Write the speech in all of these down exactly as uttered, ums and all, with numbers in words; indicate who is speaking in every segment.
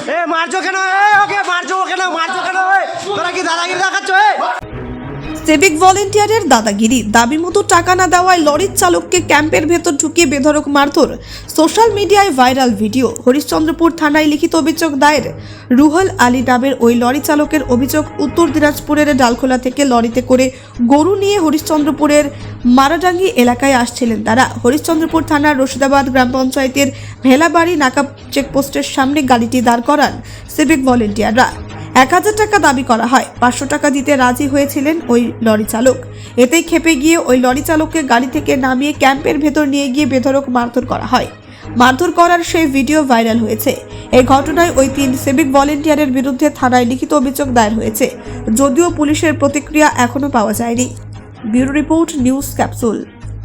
Speaker 1: এ মারছো কেন? ওকে মারছো কেন? মারছো কেন? তোরা কি দাদাগিরি দেখাচ্ছ?
Speaker 2: সিভিক ভলেন্টিয়ারের দাদাগিরি, দাবি মতো টাকা না দেওয়ায় লরির চালককে ক্যাম্পের ভেতর ঢুকিয়ে বেধড়ক মারধর। সোশ্যাল মিডিয়ায় ভাইরাল ভিডিও। হরিশ্চন্দ্রপুর থানায় লিখিত অভিযোগ দায়ের। রুহুল আলী নামের ওই লরি চালকের অভিযোগ, উত্তর দিনাজপুরের ডালখোলা থেকে লরিতে করে গরু নিয়ে হরিশ্চন্দ্রপুরের মারাডাঙ্গি এলাকায় আসছিলেন তারা। হরিশ্চন্দ্রপুর থানার রশিদাবাদ গ্রাম পঞ্চায়েতের ভেলাবাড়ি নাকা চেকপোস্টের সামনে গাড়িটি দাঁড় করান সিভিক ভলেন্টিয়াররা। এক হাজার টাকা দাবি করা হয়। পাঁচশো টাকা দিতে রাজি হয়েছিলেন ওই লরি চালক। এতেই খেপে গিয়ে ওই লরি চালককে গাড়ি থেকে নামিয়ে ক্যাম্পের ভেতর নিয়ে গিয়ে বেধড়ক মারধর করা হয়। মারধর করার সেই ভিডিও ভাইরাল হয়েছে। এই ঘটনায় ওই তিন সিভিক ভলেন্টিয়ারের বিরুদ্ধে থানায় লিখিত অভিযোগ দায়ের হয়েছে, যদিও পুলিশের প্রতিক্রিয়া এখনো পাওয়া যায়নি। Bureau report, news capsule.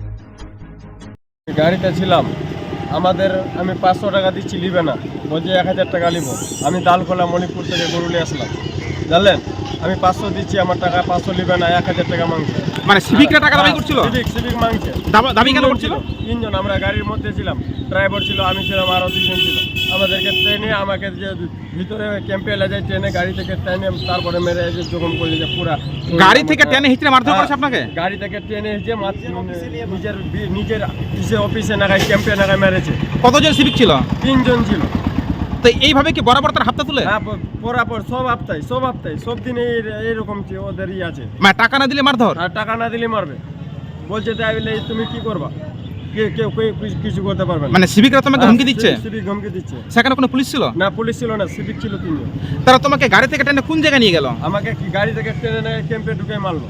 Speaker 3: গাড়িতে ছিলাম, আমাদের আমি পাঁচশো টাকা দিচ্ছি, নিবে না, বলছে এক হাজার টাকা নিব। আমি দালখোলা মণিপুর থেকে গরুলে আসলাম, জানলেন, আমি পাঁচশো দিচ্ছি, আমার টাকা পাঁচশো নিবে না, এক হাজার টাকা মাংছে।
Speaker 4: মানে সিভিকরা টাকা দাবি করছিল?
Speaker 3: সিভিক সিভিক মাংছে।
Speaker 4: দাবি কেন করছিল?
Speaker 3: তিনজন, আমরা গাড়ির মধ্যে ছিলাম, ড্রাইভার ছিল, আমি ছিলাম, আরও দুজন ছিল। আমাদেরকে ট্রেনে আমাকে যে ভিতরে ক্যাম্পে এলে যায়, ট্রেনে গাড়ি থেকে ট্রেনে তারপরে মেরে এসে জখম করলে যে পুরা
Speaker 4: গাড়ি থেকে ট্রেনে হিচড়ে মারধর করেছে আপনাকে?
Speaker 3: গাড়ি থেকে ট্রেনে এসে নিজের নিজের ইসে অফিসে নাগায় ক্যাম্পে নাগায় মেরেছে।
Speaker 4: কতজন সিভিক ছিল?
Speaker 3: তিনজন ছিল।
Speaker 4: তো এইভাবে কি বরাবর তার হাতটা তুলে?
Speaker 3: হ্যাঁ, বরাবর সব হপ্তায় সব হপ্তায় সব দিনে এইরকম ওদেরই আছে।
Speaker 4: মানে টাকা না দিলে মারধর?
Speaker 3: আর টাকা না দিলে মারবে, বলছে তাই বলে তুমি কি করবা, কেউ কিছু করতে পারবে না।
Speaker 4: মানে সিভিকরা তোমাকে হুমকি দিচ্ছে?
Speaker 3: সিভিক হুমকি দিচ্ছে।
Speaker 4: সেখানে কোনো পুলিশ ছিল
Speaker 3: না? পুলিশ ছিল না, সিভিক ছিল তিনজন।
Speaker 4: তারা তোমাকে গাড়ি থেকে টেনে কোন জায়গায় নিয়ে গেল?
Speaker 3: আমাকে কি গাড়ি থেকে টেনে ক্যাম্পে ঢুকে মারলো।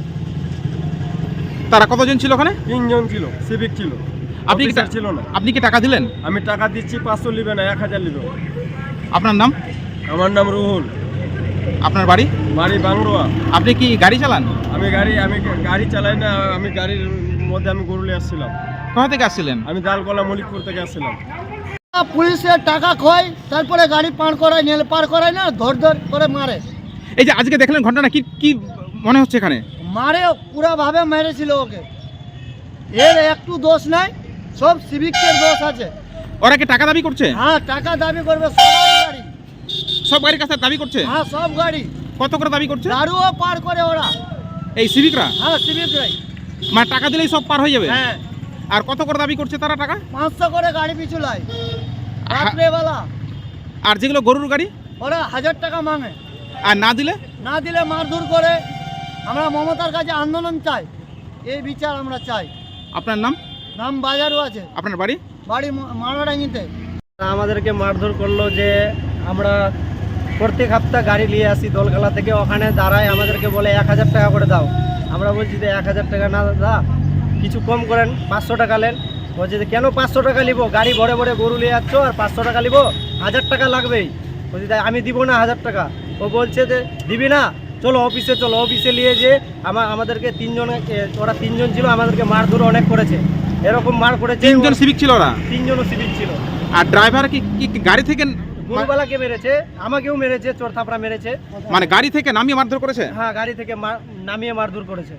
Speaker 4: তারা কতজন ছিল ওখানে?
Speaker 3: তিনজন ছিল, সিভিক ছিল।
Speaker 4: আপনি কি
Speaker 3: ছিল না?
Speaker 4: আপনি কি টাকা দিলেন?
Speaker 3: আমি টাকা দিচ্ছি, পাঁচশো নিবে না, এক হাজার নিবে।
Speaker 4: আপনার নাম?
Speaker 3: আমার নাম রুহুল।
Speaker 4: আপনার বাড়ি?
Speaker 3: বাড়ি বাংরোয়া।
Speaker 4: আপনি কি গাড়ি চালান?
Speaker 3: আমি গাড়ি আমি গাড়ি চালাই না, আমি গাড়ির মধ্যে আমি গরুলে আসছিলাম।
Speaker 4: কোথা থেকে আসছিলেন?
Speaker 3: আমি দালকোলা মলিকপুর থেকে আসছিলাম।
Speaker 1: পুলিশের টাকা খয়, তারপরে গাড়ি পার করায়, নেল পার করায় না, ধর ধর করে মারে।
Speaker 4: এই যে আজকে দেখলেন ঘটনা, কি কি মনে হচ্ছে এখানে?
Speaker 1: মারে পুরা ভাবে মেরেছিল ওকে। এর একটু দোষ নাই, সব সিভিকের দোষ আছে।
Speaker 4: ওরা কি টাকা দাবি করছে?
Speaker 1: হ্যাঁ, টাকা দাবি করবে সবার গাড়ি।
Speaker 4: সব গাড়ির কাছে দাবি করছে?
Speaker 1: হ্যাঁ, সব গাড়ি।
Speaker 4: কত করে দাবি করছে?
Speaker 1: দারুও পার করে ওরা।
Speaker 4: এই সিভিকরা?
Speaker 1: হ্যাঁ, সিভিকরাই।
Speaker 4: মানে টাকা দিলেই সব পার হয়ে যাবে?
Speaker 1: হ্যাঁ।
Speaker 4: আর কত করে দাবি করছে তারা টাকা?
Speaker 1: পাঁচশো করে গাড়ি পিছু লাই রাত্রেবেলা।
Speaker 4: আর যেগুলো গরুর গাড়ি?
Speaker 1: ওরা হাজার টাকা মাঙে।
Speaker 4: আর না দিলে?
Speaker 1: না দিলে মারধর করে। আমরা মমতার কাছে আন্দোলন চাই, এই বিচার আমরা চাই।
Speaker 4: আপনার নাম?
Speaker 1: নাম বাজারও আছে।
Speaker 4: আপনার বাড়ি?
Speaker 1: বাড়ি মারাডাঙ্গিতে।
Speaker 5: আমাদেরকে মারধর করলো যে আমরা প্রত্যেক সপ্তাহ গাড়ি নিয়ে আসি দোলখালা থেকে, ওখানে দাঁড়ায় আমাদেরকে বলে এক হাজার টাকা করে দাও। আমরা বলছি যে এক হাজার টাকা না দা, কিছু কম করেন, পাঁচশো টাকা নেন। বলছে যে কেন পাঁচশো টাকা নিবো, গাড়ি ভরে ভরে গরু নিয়ে যাচ্ছ আর পাঁচশো টাকা নিবো, হাজার টাকা লাগবেই। বলছি তাই আমি দিব না হাজার টাকা। ও বলছে যে দিবি না, চলো অফিসে চলো। অফিসে নিয়ে যে আমার আমাদেরকে তিনজন, ওরা তিনজন ছিল, আমাদেরকে মারধর অনেক করেছে। এরকম মার করেছে।
Speaker 4: তিনজন সিভিক ছিল ওরা?
Speaker 5: তিনজনও সিভিক ছিল।
Speaker 4: আর ড্রাইভার কি কি গাড়ি থেকে?
Speaker 5: গরুবালাকে মেরেছে, আমাকেও মেরেছে, চোর থাপড়া মেরেছে।
Speaker 4: মানে গাড়ি থেকে নামিয়ে মারধর করেছে?
Speaker 5: হ্যাঁ, গাড়ি থেকে নামিয়ে মারধর করেছে।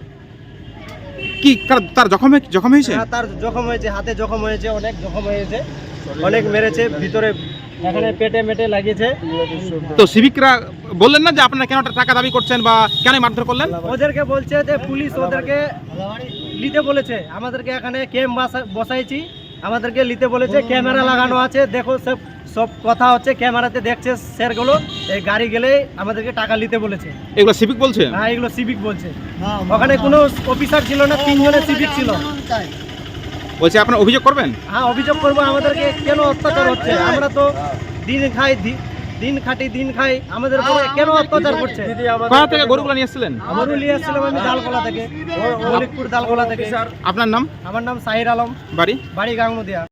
Speaker 4: কি তার জখম জখম হয়েছে?
Speaker 5: হ্যাঁ, তার জখম হয়েছে, হাতে জখম হয়েছে, অনেক জখম হয়েছে, অনেক মেরেছে, ভিতরে এখানে পেটে মেটে লাগিয়েছে।
Speaker 4: তো সিভিকরা বললেন না যে আপনারা কেন টাকা দাবি করছেন বা কেন মারধর করলেন?
Speaker 5: ওদেরকে বলছে যে পুলিশ ওদেরকে নিতে বলেছে, আমাদেরকে এখানে ক্যাম্প বসাইছি, আমাদেরকে নিতে বলেছে, ক্যামেরা লাগানো আছে, দেখো সব সব কথা হচ্ছে, ক্যামেরাতে দেখছে স্যারগুলো। এই গাড়ি গেলে আমাদেরকে টাকা নিতে বলেছে।
Speaker 4: এগুলো সিভিক বলছে?
Speaker 5: হ্যাঁ, এগুলো সিভিক বলছে। ওখানে কোনো অফিসার ছিল না, তিনজনের সিভিক ছিল।
Speaker 4: বলছে আপনারা অভিযোগ করবেন?
Speaker 5: হ্যাঁ, অভিযোগ করবো। আমাদেরকে কেন অত্যাচার হচ্ছে? আমরা তো দিন খাই, দিন খাটি, দিন খাই, আমাদের উপরে কেন অত্যাচার করছে?
Speaker 4: কোথা থেকে গরুগুলো নিয়ে এসেছিলেন?
Speaker 5: গরু নিয়ে এসেছিলাম আমি দালকোলা থেকে, মলিকপুর দালকোলা থেকে।
Speaker 4: আপনার নাম?
Speaker 5: আমার নাম সাহির আলম।
Speaker 4: বাড়ি?
Speaker 5: বাড়ি গাংনদিয়া।